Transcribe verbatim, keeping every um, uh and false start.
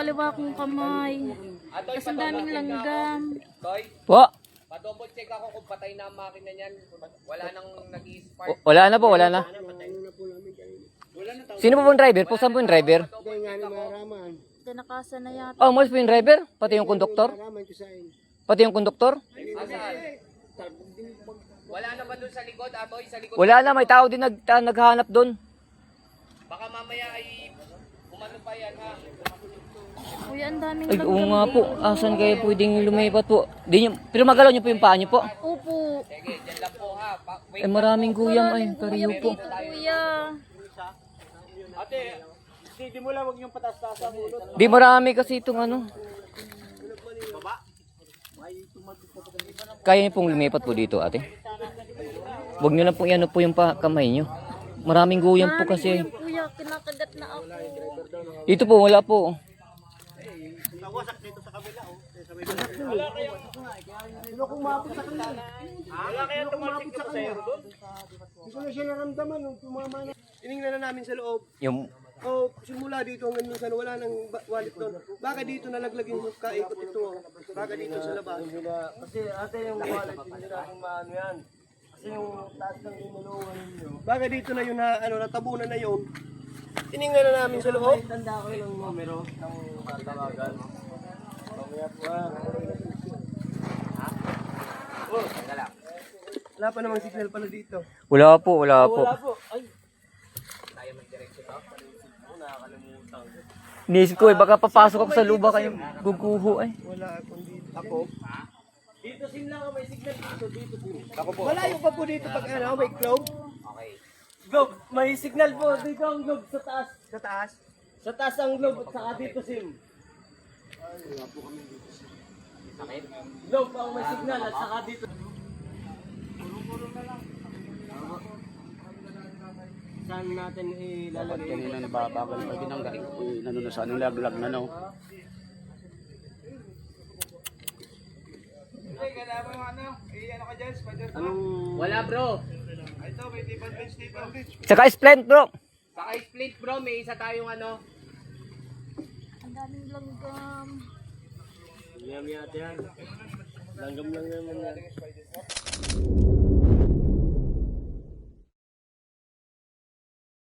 kaliwa kong kamay. Tapos ang daming langgam. Toy, Po. pa-double check ako kung patay na ang makina niyan. Wala nang nag-i-spark. W- Wala na po, wala na. Sino po pong driver? Po, saan po yung driver? Tinakasan na yata. Oh, umalis po yung driver? Pati yung konduktor? Pati yung konduktor? Asan? Wala na ba doon sa likod, Atoy? Sa likod? Wala na, may tao din nag, ta- naghahanap doon. Baka mamaya ay umano pa yan, ha? Kuya, ang daming Ay, langgam. oo nga po. Asan kayo pwedeng lumipat po? Di nyo, pero magalaw nyo po yung paa nyo po. Opo. Sige, dyan lang po, ha? Pa- wait. Ay, maraming guyam ay, kariyo po. Dito, kuya. Ate, di mo lang wag yung patas-tasa mo. Di marami kasi itong ano. Kaya nyo pong lumipat po dito, ate. Huwag nyo lang pong iano po yung pa kamay nyo. Maraming guyam po kasi. Maraming kuya, kinakagat na ako. Dito po, wala po. Wala kaya tumalsik ka sa ero doon? Hindi ko na siya naramdaman nung tumama na. Tinignan na namin sa loob. Yung, O simula dito hanggang minsan wala nang ba- wallet doon. Baka dito nalaglag yung kaikot ito. Baka dito sa labas. Kasi ate yung wallet, hindi natin maano yan. Kasi yung taas ng inulungan ninyo. Baka dito na yun na ano natabunan na yun. Tinignan na namin sa loob. Tanda ko yung numero ng tatawagan. Mamaya po ah. Oh, teka lang. Wala pa namang signal pala dito. wala po, wala po. Wala po. Ay, Tayo mag-diretso to. nakakalimutan. Inisip ko eh, baka papasok ako sa luba kayong guguho ay. Wala akong dito. Ako? Dito sim lang ako, may signal dito, dito sim. Ako po. Malayo pa po dito pag ano, may globe. Okay. Globe, may signal po. Dito ang globe sa taas. Sa taas. Sa taas ang globe at saka dito sim. Globe ang may signal at saka dito. Saan natin ilalagay? Kanina nababagal pa binangga. Eh, Nano na sa anong laglag na no. Anong Wala, bro. Saka splint bro. Saka split, bro. May isa tayong ano. Ang daming langgam. yami ate yan? Langgam lang naman yan.